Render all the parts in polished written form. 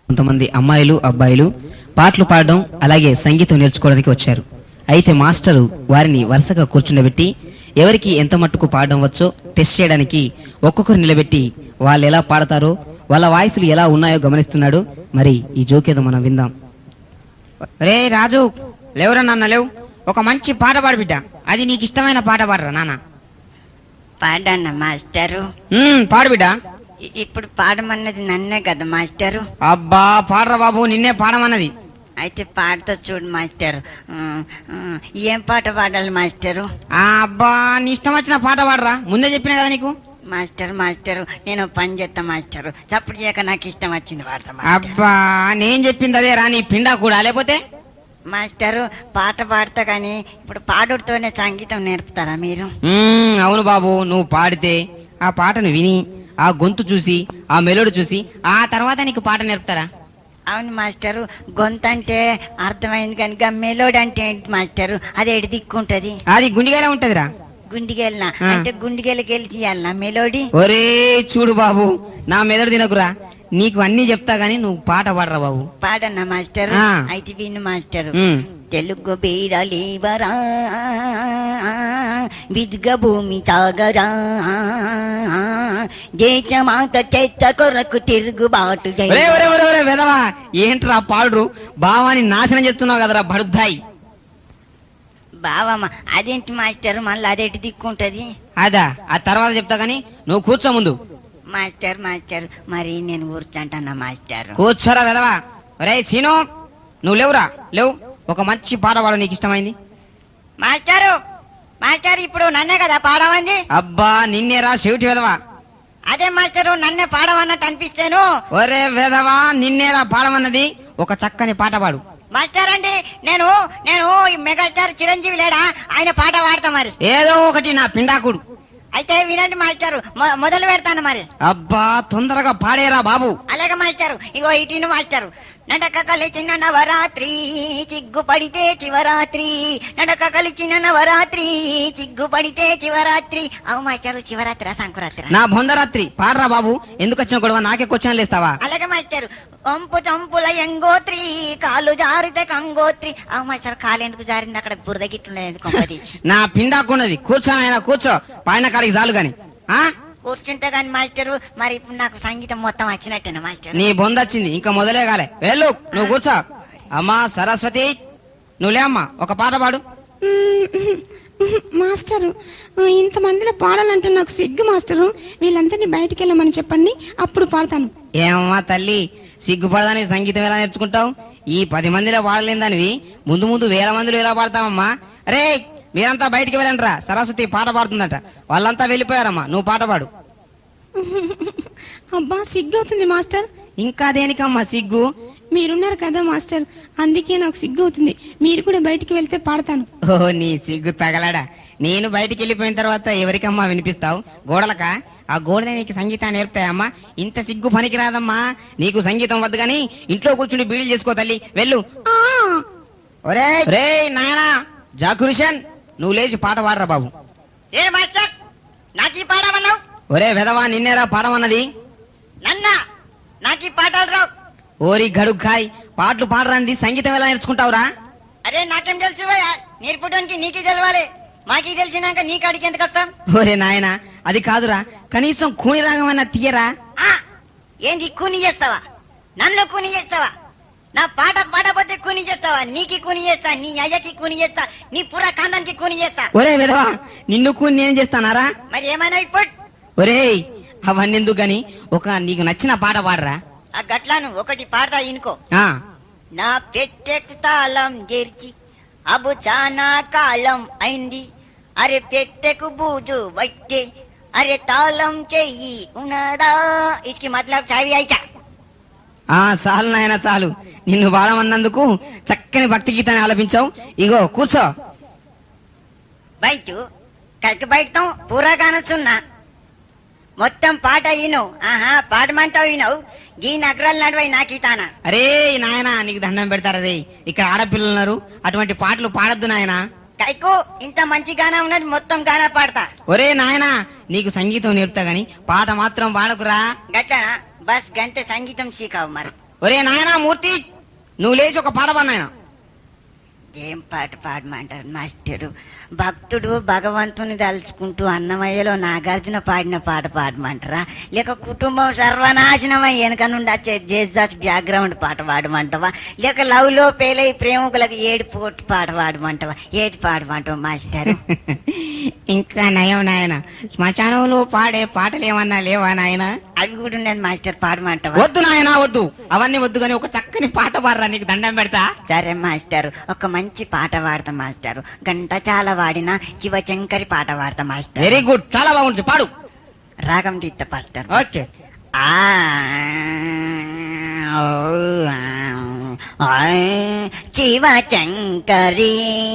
కొంతమంది అమ్మాయిలు అబ్బాయిలు పాటలు పాడడం అలాగే సంగీతం నేర్చుకోవడానికి వచ్చారు. అయితే మాస్టరు వారిని వరుసగా కూర్చుండబెట్టి ఎవరికి ఎంత మట్టుకు పాడడం వచ్చో టెస్ట్ చేయడానికి ఒక్కొక్కరు నిలబెట్టి వాళ్ళు ఎలా పాడతారో వాళ్ళ వాయిస్లు ఎలా ఉన్నాయో గమనిస్తున్నాడు. మరి ఈ జోకేదో మనం విందాం. రే రాజు, లేవురా నాన్న, లేవు. ఒక మంచి పాట పాడు బిడ్డ. అది నీకు ఇష్టమైన పాట పాడరా నాన్న. పాడన్న మాస్టరు. పాడు బిడ్డ. ఇప్పుడు పాడమన్నది నన్నే కదా మాస్టరు. అబ్బా పాడరా బాబు, నిన్నే పాడమన్నది. అయితే పాడతా చూడు మాస్టర్. ఏం పాట పాడాలి మాస్టరు? అబ్బా నీ ఇష్టం వచ్చిన పాట పాడరా, ముందే చెప్పినా కదా నీకు. మాస్టరు నేను పని చేస్తా మాస్టరు. చప్పుడు చేయక నాకు ఇష్టం వచ్చింది పాడతా. అబ్బా నేను చెప్పింది అదే రా, నీ పిండా కూడా. లేకపోతే మాస్టరు పాట పాడతా కానీ ఇప్పుడు పాడుతోనే సంగీతం నేర్పుతారా మీరు? అవును బాబు, నువ్వు పాడితే ఆ పాటను విని ఆ గొంతు చూసి ఆ మెలోడి చూసి ఆ తర్వాత నీకు పాట నేర్పుతారా? అవును మాస్టరు, గొంతు అంటే అర్థమైంది కనుక మెలోడీ అంటే ఏంటి మాస్టరు? అది ఎడి దిక్కుంటది? అది గుండిగేలా ఉంటదిరా. గుండిగెళ్ళినా అంటే గుండిగెళ్ళకి వెళ్ళి తీయాలనా మెలోడీ? ఒరే చూడు బాబు, నా మెదడు తినకురా, నీకు అన్ని చెప్తా గానీ నువ్వు పాట పాడరా బాబు. పాడన్నా మాస్టరు. అయితే విను మాస్టరు. తెలుగు బీరలేవరా విద్గ భూమి తాగరా, దేశమాత చెత్త కొరకు తిరుగుబాటు. వెదవా ఏంట్రా పాడురు, భావాన్ని నాశనం చేస్తున్నావు కదరా బడుద్దాయి. బావమ్మ అదేంటి మాస్టర్, మళ్ళీ అదేంటి దిక్కుంటది? అదా ఆ తర్వాత చెప్తా గానీ నువ్వు కూర్చో ముందు. మాస్టర్ మరి నేను కూర్చుంటానా మాస్టర్? కూర్చోరా వెదవా. రే సీను, నువ్వు లేవురా, లేవు. ఒక మంచి పాట పాడు, నీకు ఇష్టమైంది. మాస్టర్ ఇప్పుడు నన్నే కదా పాడమంది? అబ్బా నిన్నేరా చెవిటి వెదవా. అదే మాస్టరు, నన్నే పాడమన్నట్టు అనిపిస్తాను. ఒరే వెదవా, నిన్నేరా పాడమన్నది. ఒక చక్కని పాట పాడు. మాస్టర్ అండి నేను మెగాస్టార్ చిరంజీవి లేడా, ఆయన పాట పాడతా మరి. ఏదో ఒకటి నా పిండాకుడు. అయితే వినండి మాస్టారు, మొదలు పెడతాను మరి. అబ్బా తొందరగా పాడేరా బాబు. అలాగే మాస్టారు. ఇగో ఇటు మాస్టారు. నడక కలిచిన నవరాత్రి చిగ్గుపడితే చివరాత్రి, నడక కలిచిన నవరాత్రి చిగ్గుపడితే చివరాత్రి. అవు మాస్టారు, శివరాత్రి సంకురాత్రి నా బొందరాత్రి పాడరా బాబు. ఎందుకు వచ్చిన గొడవ, నాకే క్వశ్చన్లు ఇస్తావా? అలాగే మాస్టారు. వంపు చంపుల ఎంగోత్రి కాలు జారితే కంగోత్రి. అవు మాస్టారు, కాలు ఎందుకు జారింది? అక్కడ బురద గిట్లున్నది. నా పిండాకున్నది. కూర్చోనైనా కూర్చో, పైన కాడికి చాలు గాని. కూర్చుంటే గాని మాస్టరు, మరి ఇప్పుడు నాకు సంగీతం మొత్తం వచ్చినట్టేనా మాస్టర్? నీ బొంద వచ్చింది, ఇంకా మొదలే కాలే. వెళ్ళు, నువ్వు కూర్చో. అమ్మా సరస్వతి, నువ్వులే అమ్మా, ఒక పాట పాడు. మాస్టరు, ఇంతమందిలో పాడాలంటే నాకు సిగ్గు మాస్టరు. వీళ్ళందరినీ బయటికి వెళ్ళమని చెప్పండి, అప్పుడు పాడతాను. ఏమమ్మా తల్లి, సిగ్గుపడదాని సంగీతం ఎలా నేర్చుకుంటావు? ఈ 10 మందిలో పాడలేని దానివి ముందు ముందు 1000 మందిలో ఎలా పాడతావమ్మా? రే మీరంతా బయటికి వెళ్ళండిరా, సరస్వతి పాట పాడుతుందట. వాళ్ళంతా వెళ్ళిపోయారమ్మా, నువ్వు పాట పాడు. అబ్బా సిగ్గు అవుతుంది మాస్టర్. ఇంకా దేనికమ్మా సిగ్గు? మీరున్నారు కదా మాస్టర్, అందుకే నాకు సిగ్గు అవుతుంది. మీరు కూడా బయటికి వెళ్తే పాడతాను. ఓ నీ సిగ్గు తగలడా. నేను బయటికి వెళ్ళిపోయిన తర్వాత ఎవరికమ్మా వినిపిస్తావు? గోడలకా? ఆ గోడలే నీకు సంగీతాన్ని నేర్పుతాయమ్మా. ఇంత సిగ్గు పనికి రాదమ్మా. నీకు సంగీతం వద్దు గాని ఇంట్లో కూర్చుని బీడీలు చేసుకో తల్లి, వెళ్ళు. ఒరే నాయనా జాకురిషన్, నువ్వు లేచి పాట పాడరా బాబు. ఏ మాస్టర్, నాకు ఈ పాడమన్నావు? ఒరే వెదవా, నిన్నేరా పాడమన్నది. నాకు ఈ పాటలు రావు. ఓరి గడుగ్గాయ్, పాటలు పాడరాంది సంగీతం ఎలా నేర్చుకుంటావురా? అరే నాకేం తెలుసు, నేర్పడానికి నీకే తెలవాలి. మాకీ తెలిసినాక నీ కాడికి ఎందుకు వస్తాం? ఒరే నాయనా, అది కాదురా, కనీసం కూని రాగమన్నా తీయరా. ఏంది కూని చేస్తావా? నన్ను కూని చేస్తావా? నా పాట పాడపోతే కూని చేస్తావా? నీకి కూని చేస్తా, నీ అయ్యకి కూని చేస్తా, నీ పురా కాందానికి కూని చేస్తా. ఒరే విధవా, నిన్ను కూని నేను చేస్తానారా? మరి ఏమైనా ఇప్పుడు? ఒరే అవన్నీ ఎందుకు గాని ఒక నీకు నచ్చిన పాట పాడరా. ఆ గట్లాను ఒకటి పాడతా ఇనుకో. నా పెట్టెకు తాళం చేర్చి అబు చానా కాలం అయింది, అరే పెట్టెకు బూజు వట్టే, అరే తాళం చెయ్యి ఉన్నదా, ఇస్కి మతలబ్ చావి అయిచా. చాలు నాయన చాలు, నిన్ను పాడమన్నందుకు చక్కని భక్తి గీతాన్ని ఆలపించావు. ఇగో కూర్చో. బయట కైకి బయటం పూరా కానొస్తున్నా, మొత్తం పాట ఈను. పాడమంటావు ఈనవు, గీ నగరాలు నడవై నాకీతానా. అరే నాయనా, నీకు దండం పెడతారా రే, ఇక్కడ ఆడపిల్లలు ఉన్నారు, అటువంటి పాటలు పాడద్దు నాయనా. కైకు ఇంత మంచి గానా ఉన్నది, మొత్తం గానా పాడతా. ఒరే నాయనా, నీకు సంగీతం నేర్పుతా గాని పాట మాత్రం పాడకురా. గట్లనా? బస్ గంటే సంగీతం సీకావు మరి. ఒరే నాయనా మూర్తి, నువ్వు లేచి ఒక పాట పాడు నాయనా. ఏం పాట పాడమంటారు మాస్టరు? భక్తుడు భగవంతుని తలుచుకుంటూ అన్నమయ్యలో నాగార్జున పాడిన పాట పాడమంటారా, లేక కుటుంబం సర్వనాశనమై వెనక నుండి వచ్చే జేజాస్ బ్యాక్గ్రౌండ్ పాట పాడమంటావా, లేక లవ్ లో పేలై ప్రేమికులకు ఏడుపు పాట పాడమంటావా? ఏది పాడమంటావు మాస్టర్? ఇంకా నయం నాయన, శ్మశానంలో పాడే పాటలు ఏమన్నా లేవా నాయన? అవి కూడా ఉన్నది మాస్టర్, పాడమంటావా? వద్దు నాయనా వద్దు, అవన్నీ వద్దు గాని ఒక చక్కని పాట పాడరా, నీకు దండం పెడతా. సరే మాస్టర్, ఒక మంచి పాట పాడతా మాస్టర్. గంట చాలా వాడిన శివశంకరి పాట పాడతా మాస్టర్. వెరీ గుడ్, చాలా బాగుంటుంది, పాడు. రాగం తీస్తా మాస్టర్. ఓకే. శివశంకరి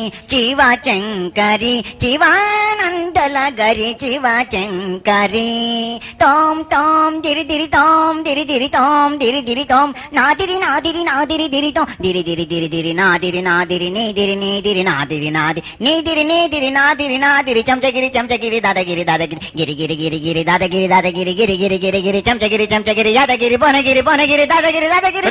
శివశంకరి శివానందల గరి శివశంకరి తోం తోం దిరి దిరి తోం దిరి దిరి తోం దిరి దిరి తోం నాదిరి నాదిరి నాదిరి దిరి తోం దిరి దిరి దిరి దిరి నాదిరి నాదిరి నీదిరి నీదిరి నాదిరి నాది నీదిరి నీదిరి నాదిరి నాదిరి చంచగిరి చంచగిరి దాదగిరి దాదగిరి గిరి గిరి గిరి గిరి దాదగిరి దాదగిరి గిరి గిరి గిరి గిరి చంచగిరి చంచగిరి యాదగిరి బొనగిరి బొనగిరి దాదగిరి దాదగిరి.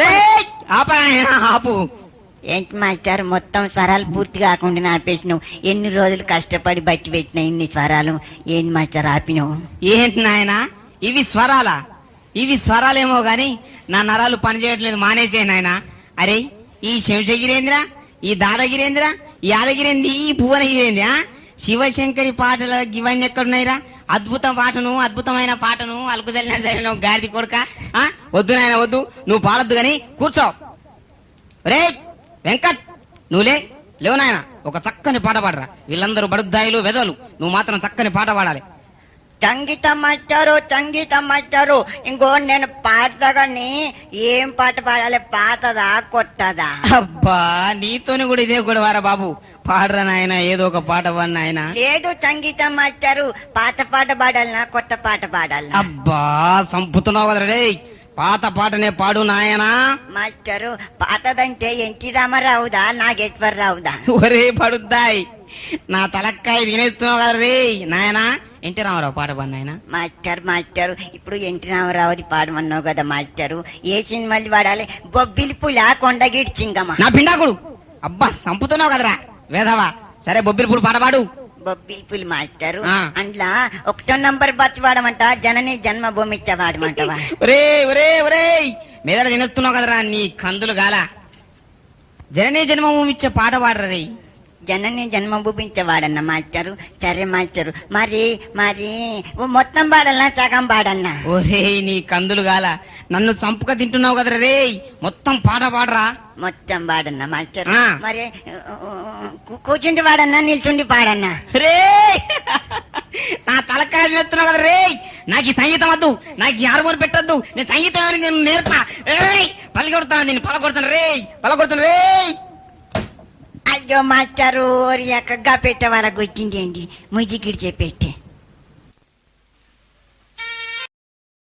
ఆపు. ఏంటి మాస్టర్, మొత్తం స్వరాలు పూర్తి కాకుండా ఆపేసినావు? ఎన్ని రోజులు కష్టపడి బట్టి పెట్టిన ఇన్ని స్వరాలు ఏంటి మాస్టర్ ఆపినావు? ఏంటి నాయనా ఇవి స్వరాలా? ఇవి స్వరాలేమో గాని నా నరాలు పనిచేయట్లేదు, మానేసే నాయనా. అరే ఈ శంశగిరేంద్ర, ఈ దాదగిరేంద్ర, ఈ యాదగిరేంది, ఈ భువనగిరేంది, శివశంకరి పాటలు ఇవన్నీ ఎక్కడున్నాయిరా? అద్భుతమైన పాటను అలుకుదలిన గాడిది కొడుక. వద్దు నాయన వద్దు, నువ్వు పాడొద్దు గాని కూర్చో. రే వెంకట్, నువ్వు లేవు నాయన, ఒక చక్కని పాట పాడరా. వీళ్ళందరూ బడుద్దాయిలు వెదలు, నువ్వు మాత్రం చక్కని పాట పాడాలి. సంగీతం మాస్టారు ఇంకో నేను పాడతాగాని ఏం పాట పాడాలి? పాతదా కొత్తదా? అబ్బా నీతోని కూడా ఇదే కూడా వారా బాబు, పాడరా నాయన, ఏదో ఒక పాట పాడు నాయన. లేదు సంగీతం మాస్టారు, పాత పాట పాడాలనా కొత్త పాట పాడాలనా? అబ్బా సంపుతున్నావు కదా రే, పాత పాటనే పాడు నాయనా. మాస్టరు పాతదంటే ఎన్టీ రామారావుదా నాగేశ్వరరావుదా? ఒరే పడుద్దాయి, నా తలక్కాయ తినేస్తున్నావు కదా రే నాయనా. ఎన్టీ రామారావు పాట పాడు నాయన. మాస్టర్ ఇప్పుడు ఎన్టీ రామారావుది పాడమన్నావు కదా మాస్టరు, ఏ సినిమాలు పాడాలి? బొబ్బిలి పులా కొండగిడి చింగమ్మ. నా పిండాకుడు, అబ్బా సంపుతున్నావు కదరా వేధవా. సరే బొబ్బిలిపూడి పాట పాడు. బొబ్బిలి పులి మాస్టరు ఆ. అందులో 1వ నంబర్ బతి వాడమంట, జనని జన్మభూమి వాడమంటవా? ఒరే మీద తినేస్తున్నావు కదరా నీ కందులు గాల. జననీ జన్మభూమి ఇచ్చే పాట పాడరా రే. జనని జన్మభూమి వాడన్నా మాస్టరు. సరే మాస్టరు, మరి మొత్తం పాడల్నా సగం పాడన్నా? ఒరే నీ కందులు గాల, నన్ను సంపుక తింటున్నావు కదరా రే, మొత్తం పాట పాడరా. మొత్తం పాడన్నా మాస్టర్. ఆ. మరి కూర్చుండి పాడన్నా నిల్చుండి పాడన్నా? రే నా తలకాయ తినేస్తున్నావు కదా రే. నాకు ఈ సంగీతం వద్దు, నాకు ఈ హార్మోన్ పెట్టద్దు, నేను సంగీతం నేను నేర్పా. పలకొడతాను, నేను పలకొడతాను రే. అయ్యో మాస్టరు, ఎక్కగా పెట్టే వాళ్ళకి వచ్చింది ఏంటి? ముజిగిడి చెప్పేస్తే